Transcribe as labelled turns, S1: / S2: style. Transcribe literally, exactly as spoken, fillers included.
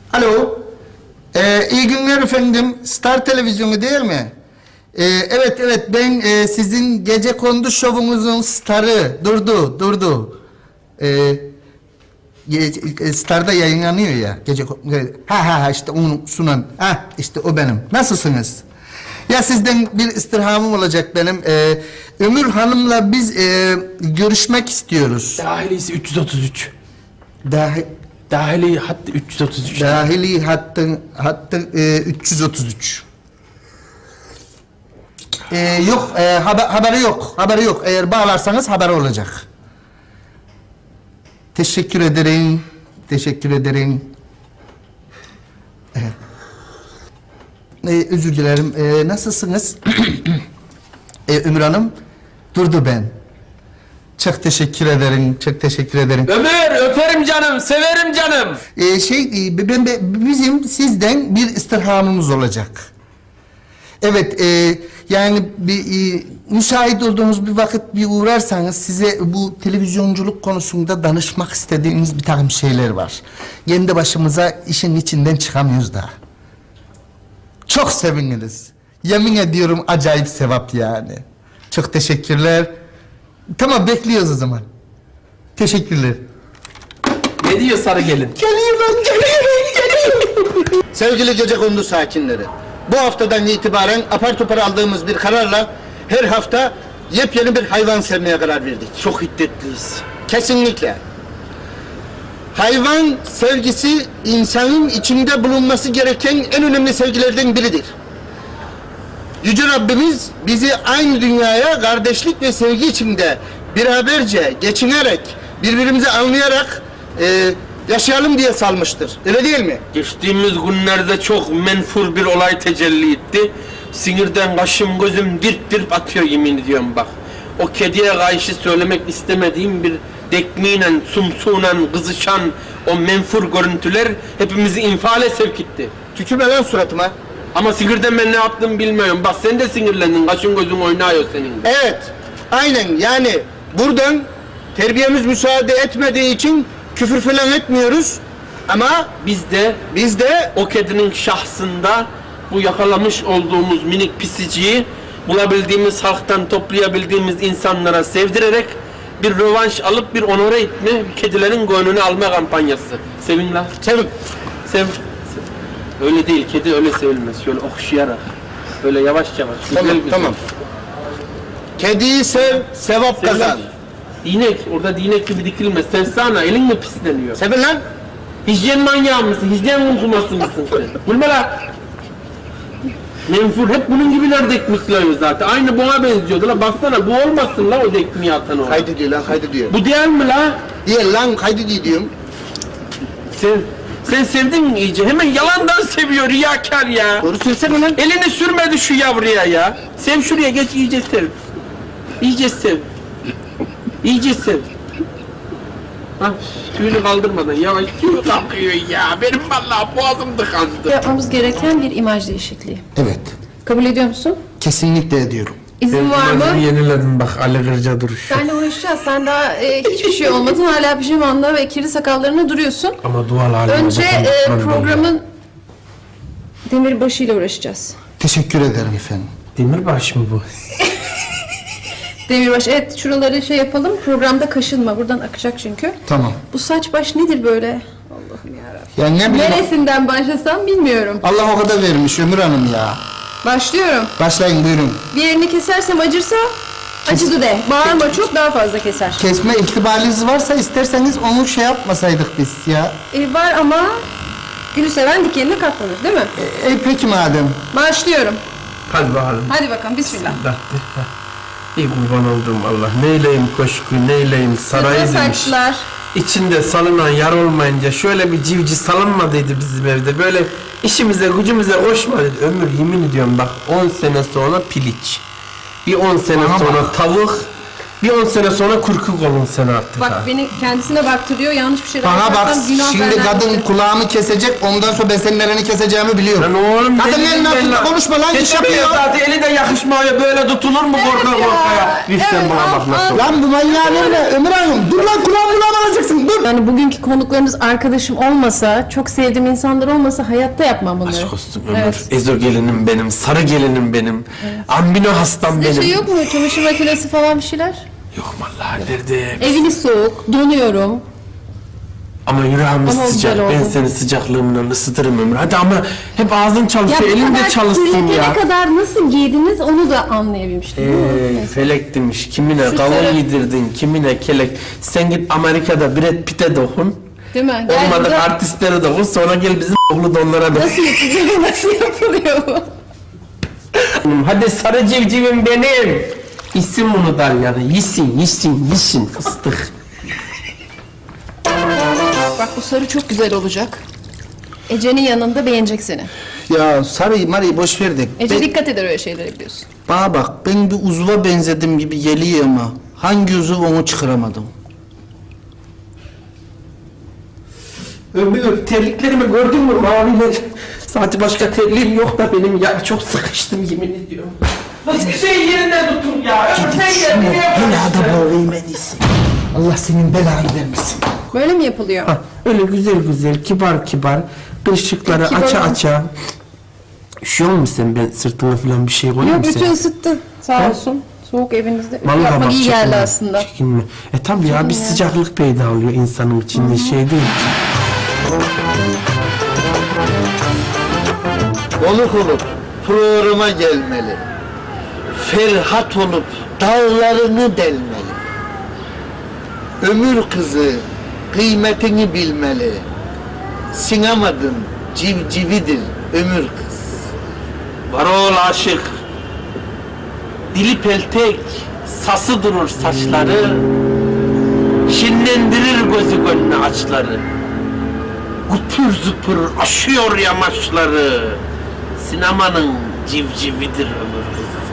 S1: Alo. Ee, iyi günler efendim. Star Televizyonu değil mi? Ee, evet evet ben e, sizin gecekondu şovunuzun starı. Durdu durdu. Ee, ge- Star'da yayınlanıyor ya. Gece ha ha ha işte onu sunan. Ha işte o benim. Nasılsınız? Ya sizden bir istirhamım olacak benim. Ee, Ömür Hanım'la biz e, görüşmek istiyoruz.
S2: Dahilisi üç yüz otuz üç.
S1: Dahi,
S2: Dahili hattı üç yüz otuz üç.
S1: dahili hattın hattı e, üç yüz otuz üç. Ee, yok e, haber, haberi yok. Haberi yok. Eğer bağlarsanız haberi olacak. Teşekkür ederim. Teşekkür ederim. Evet. Ee, özür dilerim. Ee, nasılsınız? ee, Ömür Hanım, durdu ben. Çok teşekkür ederim. Çok teşekkür ederim.
S2: Ömür öperim canım, severim canım.
S1: Ee, şey, e, ben, ben, bizim sizden bir istirhamımız olacak. Evet, e, yani bir e, müsait olduğunuz bir vakit bir uğrarsanız size bu televizyonculuk konusunda danışmak istediğimiz bir takım şeyler var. Kendi başımıza işin içinden çıkamıyoruz da. Çok seviniriz. Yemin ediyorum acayip sevap yani. Çok teşekkürler. Tamam bekliyoruz o zaman. Teşekkürler.
S2: Ne diyor sarı gelin?
S1: Geliyorum, geliyorum, geliyorum. Sevgili gecekondu sakinleri, bu haftadan itibaren apar topar aldığımız bir kararla her hafta yepyeni bir hayvan sevmeye karar verdik.
S2: Çok hiddetliyiz.
S1: Kesinlikle. Hayvan sevgisi insanın içinde bulunması gereken en önemli sevgilerden biridir. Yüce Rabbimiz bizi aynı dünyaya kardeşlik ve sevgi içinde beraberce geçinerek, birbirimizi anlayarak e, yaşayalım diye salmıştır. Öyle değil mi?
S2: Geçtiğimiz günlerde çok menfur bir olay tecelli etti. Sinirden kaşım gözüm dirt dirt atıyor yemin ediyorum bak. O kediye karşı söylemek istemediğim bir dekmiyle, sumsuğuyla kızışan o menfur görüntüler hepimizi infiale sevk etti.
S1: Tükürme lan suratıma.
S2: Ama sinirden ben ne yaptım bilmiyorum. Bak sen de sinirlendin, kaşın gözün oynuyor senin.
S1: Evet, aynen yani buradan terbiyemiz müsaade etmediği için küfür falan etmiyoruz. Ama
S2: Biz de
S1: biz de
S2: o kedinin şahsında bu yakalamış olduğumuz minik pisiciyi bulabildiğimiz halktan toplayabildiğimiz insanlara sevdirerek bir rövanş alıp bir onore etme, kedilerin gönlünü alma kampanyası. Sevin lan.
S1: sevin.
S2: Sev. sev. Öyle değil, kedi öyle sevilmez. Şöyle okşayarak, böyle yavaş yavaş. Güzel
S1: Tamam,
S2: güzel.
S1: tamam. Kediyi sev, sevap
S2: Sevin.
S1: kazan.
S2: Dinek, orada dinek gibi dikilmez. Sevsana, elin mi pisleniyor?
S1: Sevin lan.
S2: Hijyen manyağı mısın? Hijyen unkuması mısın sen? Gülme lan! Menfur hep bunun gibiler dekmikliyor zaten. Aynı buna benziyordu la. Baksana bu olmasın la o dekmiği atan o.
S1: Kaydediyor lan, kaydediyor.
S2: Bu değil mi la?
S1: Diye lan kaydediyor diyorum.
S2: Sen, sen sevdin mi iyice? Hemen yalandan seviyor riyakar ya.
S1: Doğru söylesene lan.
S2: Elini sürmedi şu yavruya ya. Sev şuraya geç iyice sev. İyice sev. İyice sev. Hah, tüyünü kaldırmadan yavaş tüyü kalkıyor ya. Benim vallahi boğazım tıkandı.
S3: Yapmamız gereken bir imaj değişikliği.
S1: Evet,
S3: Kabul ediyor musun?
S1: kesinlikle ediyorum.
S3: İzin var mı?
S2: Yeniledim bak Ali Kırca duruş.
S3: Seninle uğraşacağız. Sen daha e, hiçbir şey olmadın. Hala pijamanda ve kirli sakallarına duruyorsun.
S2: Ama dual halime
S3: Önce
S2: bakın,
S3: e,
S2: bakın,
S3: programın demirbaşıyla uğraşacağız.
S1: Teşekkür ederim efendim.
S2: Demirbaş mı bu?
S3: Demirbaş, evet şuraları şey yapalım. Programda kaşınma. Buradan akacak çünkü.
S1: Tamam.
S3: Bu saç baş nedir böyle? Allah'ım yarabbim.
S1: Ya ne bileyim.
S3: Neresinden başlasam bilmiyorum.
S1: Allah o kadar vermiş Ömür Hanım ya.
S3: Başlıyorum.
S1: Başlayın buyurun.
S3: Bir yerini kesersem acırsa acıdı de. Bağırma çok daha fazla keser.
S1: Kesme ihtimaliniz varsa isterseniz onu şey yapmasaydık biz ya.
S3: E, var ama gülü seven dikenine katlanır değil mi?
S1: E, e, peki madem.
S3: Başlıyorum.
S2: Hadi bakalım.
S3: Hadi bakalım bismillah.
S2: İyi kurban oldum Allah. Neyleyim koşku, neyleyim sarayı
S3: Sırma
S2: demiş.
S3: saçlar.
S2: İçinde salınan yar olmayınca şöyle bir civci salınmadıydı bizim evde. Böyle işimize gücümüze koşmadı. Ömür yemin ediyorum bak on sene sonra piliç. Bir on sene
S1: Bana
S2: sonra
S1: bak.
S2: tavuk. Bir on sene sonra kurkuk olun sen artık
S3: Bak
S2: ha.
S3: beni kendisine baktırıyor, yanlış bir şeyler
S1: Bana bak
S3: yaparsam günah
S1: şimdi
S3: benden
S1: kadın
S3: gider.
S1: kulağımı kesecek ondan sonra ben senin elini keseceğimi biliyorum.
S2: Lan oğlum
S1: Kadın
S2: deli
S1: elinin
S2: ben
S1: altında
S2: lan.
S1: konuşma lan, iş
S2: Kesemiyor
S1: yapıyor.
S2: zaten eli de yakışmıyor böyle tutulur mu korka
S3: Evet ya.
S2: korka ya. Bir sen
S3: Evet,
S2: bana
S3: al,
S2: bak nasıl.
S3: al.
S1: Lan bu manyağın önüne Ömür Hanım dur lan kulağımı kulağıma alacaksın dur.
S3: Yani bugünkü konuklarınız arkadaşım olmasa, çok sevdiğim insanlar olmasa hayatta yapmam bunları.
S2: Aşk olsun Ömür.
S3: Evet.
S2: Ezo gelinim benim, sarı gelinim benim. Ambino hastam
S3: Bir
S2: benim.
S3: şey yok mu? Çamaşır makinesi falan bir şeyler?
S2: Yok vallahi nerede?
S3: Eviniz soğuk, donuyorum.
S2: Ama yüreğimiz
S3: Ama
S2: sıcak.
S3: güzel
S2: Ben
S3: oldu.
S2: seni sıcaklığımla ısıtırım Ömür. Hadi ama hep ağzın çalışıyor,
S3: bu
S2: elin de
S3: kadar
S2: çalışsın
S3: kirletene
S2: ya.
S3: kadar nasıl giydiniz onu da anlayabilmiştim. değil mi?
S2: Ey felek demiş, kimine
S3: Şu
S2: kavun
S3: sarı-
S2: yedirdin, kimine kelek. Sen git Amerika'da Brad Pitt'e dokun.
S3: Değil mi? Gel
S2: Olmadı
S3: burada-
S2: artistlere dokun, sonra gel bizim oğlu donlara dokun.
S3: Nasıl yapılıyor? Nasıl yapılıyor bu?
S2: Hadi sarı civcivim benim. İsim bunu der yani, yisin, yisin, yisin fıstık.
S3: Bak bu sarı çok güzel olacak. Ece'nin yanında beğenecek seni.
S1: Ya sarıyı marıyı boş ver de.
S3: Ece
S1: Ben-
S3: dikkat eder öyle şeylere biliyorsun.
S1: Bana bak ben bir uzuva benzedim gibi geliyor ama hangi uzuv onu çıkaramadım.
S2: Ömür, terliklerimi gördün mü maviler? Sadece başka terliğim yok da benim ya, çok sıkıştım yemin ediyorum. Hiçbir şey yerinde tutun ya, ömür sen gel nereye
S1: Helada
S2: bırak?
S1: boğayım en iyisi. Allah senin belanı vermesin.
S3: Böyle mi yapılıyor?
S2: Ha, öyle güzel güzel, kibar kibar, ışıkları
S3: Kibar
S2: aça
S3: olun.
S2: aça. Üşüyor musun sen? Ben sırtına falan bir şey koyayım
S3: Yok
S2: mı
S3: bütün
S2: sen?
S3: ısıttı. Sağ olsun. Soğuk evinizde. Ütü
S2: Vallahi
S3: yapmak
S2: bak,
S3: iyi
S2: çekinme,
S3: geldi aslında.
S2: Çekinme. E tabi ya bir sıcaklık peyda oluyor insanın içinde, şey değil ki.
S1: Oluk olup programa gelmeli. Ferhat olup dağlarını delmeli. Ömür kızı kıymetini bilmeli. Sinamadın civcividir ömür kız.
S2: Varol aşık, dili peltek, sası durur saçları, şinlendirir gözü gönlü açları. Gupur zupur aşıyor yamaçları, sinemanın civcividir ömür kız.